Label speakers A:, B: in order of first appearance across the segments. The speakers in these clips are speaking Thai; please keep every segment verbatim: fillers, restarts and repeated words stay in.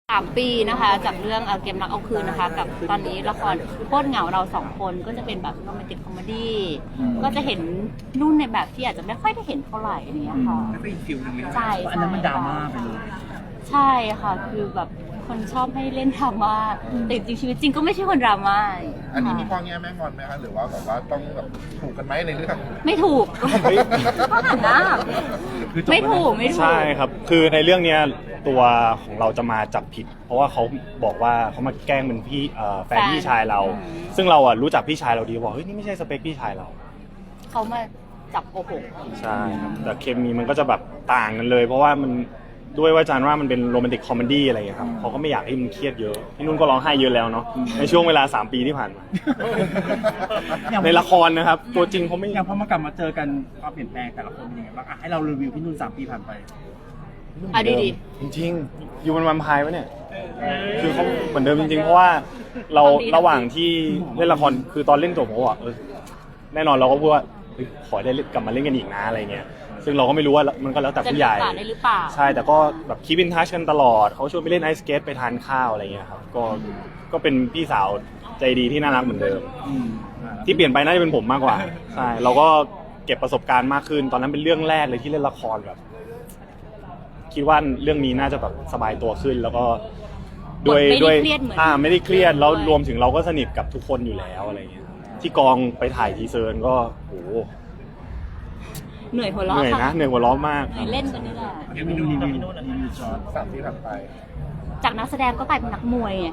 A: สามปีนะคะจากเรื่องเกมรักเอาคืนนะคะกับตอนนี้ละครโคตรเหงาเราสองคนก็จะเป็นแบบโรแมนติกคอมเมดี้ก็จะเห็นนุ่นในแบบที่อาจจะไม่ค่อยได้เห็นเท่าไหร่อย่างเงี้ยค่ะ
B: ไม่เป็นฟิลนึงเลย
A: ใช่
C: อันนั้นมันดราม่าไปเลย
A: ใช่ค่ะคือแบบคนชอบให้เล่นดราม่าแต่จริงชีวิตจริงก็ไม่ใช่คนดราม่า
D: อันนี้มีพ่อแง่แม่งอนไหมคะหรือว่าแบบว่าต้องแบบถูกกันไหมในเรื่อง
A: ไม่ถูกก็หันหน้าไม่ถูกไม่ถูก
E: ใช่ครับคือในเรื่องเนี้ยตัวของเราจะมาจับผิดเพราะว่าเขาบอกว่าเขามาแกล้งเป็นพี่แฟนพี่ชายเราซึ่งเราอ่ะรู้จักพี่ชายเราดีบอกเฮ้ยนี่ไม่ใช่สเปคพี่ชายเรา
A: เขามาจับโกหก
E: ใช่ครับแต่เคมีมันก็จะแบบต่างกันเลยเพราะว่ามันด้วยว่าจานว่ามันเป็นโรแมนติกคอมเมดี้อะไรอย่างเงี้ยครับเขาก็ไม่อยากให้มันเครียดเยอะพี่นุ่นก็ร้องไห้เยอะแล้วเนาะในช่วงเวลาสามปีที่ผ่านมาในละครนะครับตัวจริงเขาไม่
C: อย่างพอมากลับมาเจอกันความเปลี่ยนแปลงแต่ละคนเป็นยังไงบ้างอ่ะให้เรารีวิวพี่นุ่นสามปีผ่านไป
A: อ่ะดีดี
E: จริงๆอยู่บนวันพายวะเนี่ยคือเขาเหมือนเดิมจริงๆเพราะว่าเราระหว่างที่เล่นละครคือตอนเล่นจบผมก็บอกเออแน่นอนเราก็พูดว่าขอได้กลับมาเล่นกันอีกนะอะไรเงี้ยซึ่งเราก็ไม่รู้ว่ามันก็แล้วแต่ผู้ใหญ่ใช่แต่ก็แบบคีปอินทัชกันตลอดเขาชวนไปเล่นไอสเกตไปทานข้าวอะไรเงี้ยครับก็ก็เป็นพี่สาวใจดีที่น่ารักเหมือนเดิมที่เปลี่ยนไปน่าจะเป็นผมมากกว่าใช่เราก็เก็บประสบการณ์มากขึ้นตอนนั้นเป็นเรื่องแรกเลยที่เล่นละครแบบคิดว่าเรื่องนี้น่าจะแบบสบายตัวขึ้นแล้วก็ด้วยด้วยอ่าไม่ได้เครียดแล้วรวมถึงเราก็สนิทกับทุกคนอยู่แล้วอะไรเงี้ยที่กองไปถ่ายทีเซอร์ก็โห
A: เหนื่อยหัวเราะ
E: เหนื่อยนะเหนื่อยหัวเราะมาก
A: เล่นกันนี่แหละ
C: ยังไม่ดูรีวิวรีวิวจอร์จ
D: สามที่ผ่านไป
A: จากนักแสดงก็กลายเป็นนักมวยไง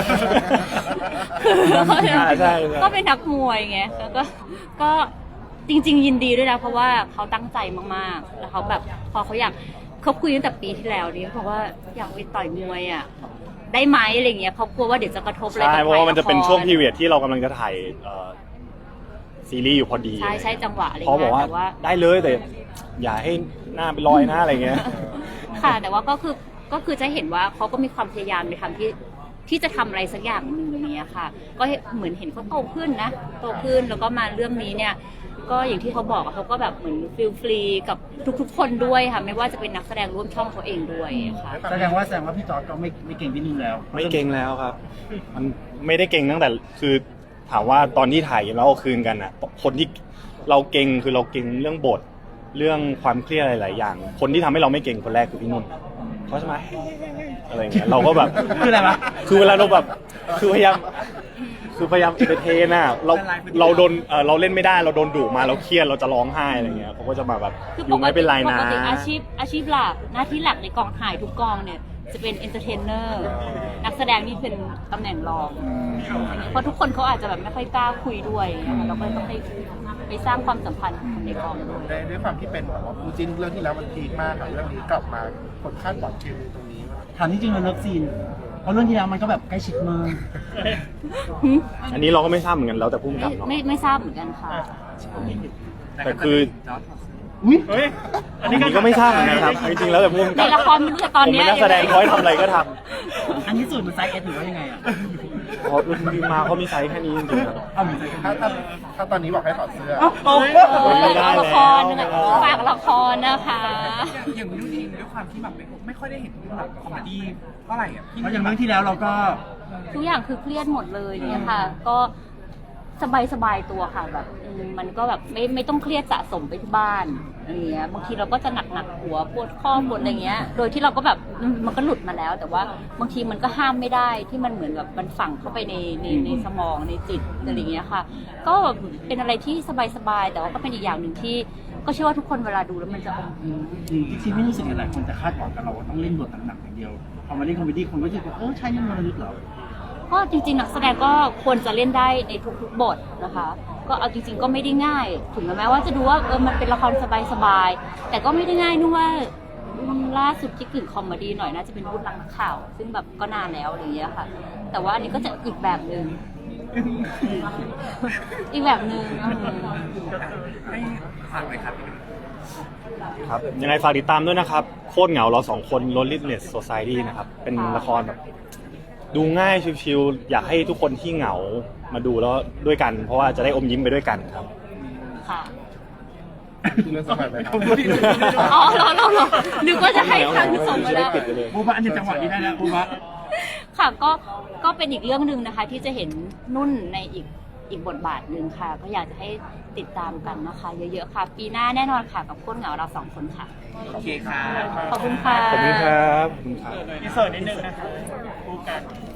E: ใช่
A: ก็เป็นนักมวยไงแล้วก็ก็จริงๆยินดีด้วยนะเพราะว่าเขาตั้งใจมากๆแล้วเขาแบบพอเขาอยากเขาคุยตั้งแต่ปีที่แล้วนี้เพราะว่าอยากไปต่อยมวยอ่ะได้ไหมอะไรเงี้ยเขากลัวว่าเดี๋ยวจะกระทบอะไรกับใคร
E: เพราะว่ามันจะเป็นช่วงพีเรียดที่เรากำลังจะถ่ายซีรีส์อยู่พอดี
A: ใช่ใช่จังหวะอะไร
E: เขาบอกว่าได้เลยแต่อย่าให้หน้าเป็นรอยหน้าอะไรเงี้ย
A: ค่ะแต่ว่าก็คือก็คือจะเห็นว่าเขาก็มีความพยายามในทำที่ที่จะทำอะไรสักอย่างหนึ่งนี้ค่ะก็เหมือนเห็นเขาโตขึ้นนะโตขึ้นแล้วก็มาเรื่องนี้เนี่ยก็อย่างที่เขาบอกเขาก็แบบเหมือนฟิลฟรีกับทุกๆคนด้วยค่ะไม่ว่าจะเป็นนักแสดงร่วมช่องเขาเองด้วยค่ะ
C: แสดงว่าแสดงว่าพี่จอร์จก็ไม่ไม่เก่งพี่นุ่นแล้ว
E: ไม่เก่งแล้วครับมันไม่ได้เก่งตั้งแต่คือถามว่าตอนที่ถ่ายแล้วเอาคืนกันอ่ะคนที่เราเก่งคือเราเก่งเรื่องบทเรื่องความเครียดหลายๆอย่างคนที่ทำให้เราไม่เก่งคนแรกคือพี่นุ่นเขาจะมาอะไรเงี้ยเราก็แบบ
C: คืออะไรวะ
E: คือเวลาเราแบบคือพยายามคือพยายามเอนเตอร์เทนน่ะเราเราโดนเออเราเล่นไม่ได้เราโดนดุมาเราเครียดเราจะร้องไห้อะไรเงี้ยเขาก็จะมาแบบอยู่ไม่เป็นไรนะ
A: ปกติอาชีพอาชีพหลักหน้าที่หลักในกองถ่ายทุกกองเนี่ยจะเป็นเอนเตอร์เทนเนอร์นักแสดงนี่เป็นตำแหน่งรองเพราะทุกคนเขาอาจจะแบบไม่ค่อยกล้าคุยด้วยเราก็ต้องไปไปสร้างความสัมพันธ์ในกองด้วย
D: ด้วยความที่เป็นแบบว่าคู่จิ้นเรื่องที่แล้วมันพีคมากกับเรื่องนี้กลับมาคนคาดหวังเคมีตรงนี้
C: ถามจริงๆเราเลิฟซีนเพราะเรื่องที่แล้วมันก็แบบใกล้ชิดมาก
E: อันนี้เราก็ไม่ทราบเหมือนกันแล้วแต่พุ่งกลับเนาะ
A: ไม่ไม่ทราบเหมือนกันค่ะ
E: แต่คือ
C: อุ้ย
E: อันนี้ก็ไม่ทราบเหมือนกันครับจริงๆแล้วแต่พุ่งกลับ
A: ในละครมันเรื่องตอนนี้
E: ผมเป็นนักแสดงเขาให้ทำอะไรก็ทำ
C: อันนี้สูตรมันไซส์เอสหรือว่ายังไงอ่ะ
E: พอรุ่นดีมาเขามีไซส์แค่นี้จริงๆครับ
D: ถ้าถ้าถ้าตอนนี้บอกให้ถอดเสื้อ
A: ละครฝากละครนะคะ
B: อย่างพี่นุ่นเองด้วยความที่แบบไม่ค่อยได้เห็นแบบคอมเมดี้เท่าไหร่อ่ะ
C: เพราะอย่างเรื่องที่แล้วเราก็
A: ทุกอย่างคือเครียดหมดเลยเนี่ยค่ะก็สบายสบายตัวค่ะแบบมันก็แบบไม่ไม่ต้องเครียดสะสมไปที่บ้านอะไรเงี้ยบางทีเราก็จะหนักหนักหัวปวดข้อปวดอะไรเงี้ยโดยที่เราก็แบบมันก็หลุดมาแล้วแต่ว่าบางทีมันก็ห้ามไม่ได้ที่มันเหมือนแบบมันฝังเข้าไปในในในสมองในจิตอะไรเงี้ยค่ะก็เป็นอะไรที่สบายสบายแต่ว่าก็เป็นอีกอย่างหนึ่งที่ก็เชื่อว่าทุกคนเวลาดูแล้วมันจะอม
C: ยิ้มที่ไม่รู้สึกอะไรคนจะคาดหวังกับเราว่าต้องเล่นบทหนักๆอย่างเดียวพอมาเล่นคอมเมดี้คนก็จะบอกเออใช่นี่มันระลึกเหรอ
A: ก็จริงๆนักแสดงก็ควรจะเล่นได้ในทุกๆบทนะคะก็เอาจริงๆก็ไม่ได้ง่ายถึงแม้ว่าจะดูว่าเออมันเป็นละครสบายๆแต่ก็ไม่ได้ง่ายนู่นว่าล่าสุดที่กึ่งคอมเมดี้หน่อยน่าจะเป็นวุฒิรักนักข่าวซึ่งแบบก็นานแล้วอะไรอย่างเงี้ยค่ะแต่ว่าอันนี้ก็จะอีกแบบนึงอีกแบบนึง
B: ให้ฝากเลยครับ
E: ครับยังไงฝากติดตามด้วยนะครับโคตรเหงาเราสองคน Loneliness Society นะครับเป็นละครแบบดูง่ายชิวๆอยากให้ทุกคนที่เหงามาดูแล้วด้วยกันเพราะว่าจะได้อมยิ้มไปด้วยกันครับ
A: ค่ะ
D: เรื่องสบายไหมครับ
A: อ๋อเราเราเรานึกว่าจะให้ทางส่งมาแล้ว
C: บูบะอันนี้จังหวะนี้ได้แล้วบูบะ
A: ค่ะก็ก็เป็นอีกเรื่องหนึ่งนะคะ ที่จะเห็นนุ่นในอีกอีกบทบาทหนึ่งค่ะ ก็อยากจะให้ติดตามกันนะคะ เยอะๆค่ะ ปีหน้าแน่นอนค่ะกับโคตรเหงาเราสองคนค่ะ
B: โอเคค่ะ
A: ขอบคุณค่ะ
E: ขอบคุณครับขอบคุณครับ
B: อินเสิร์ตนิดนึงนะคะคู่กัน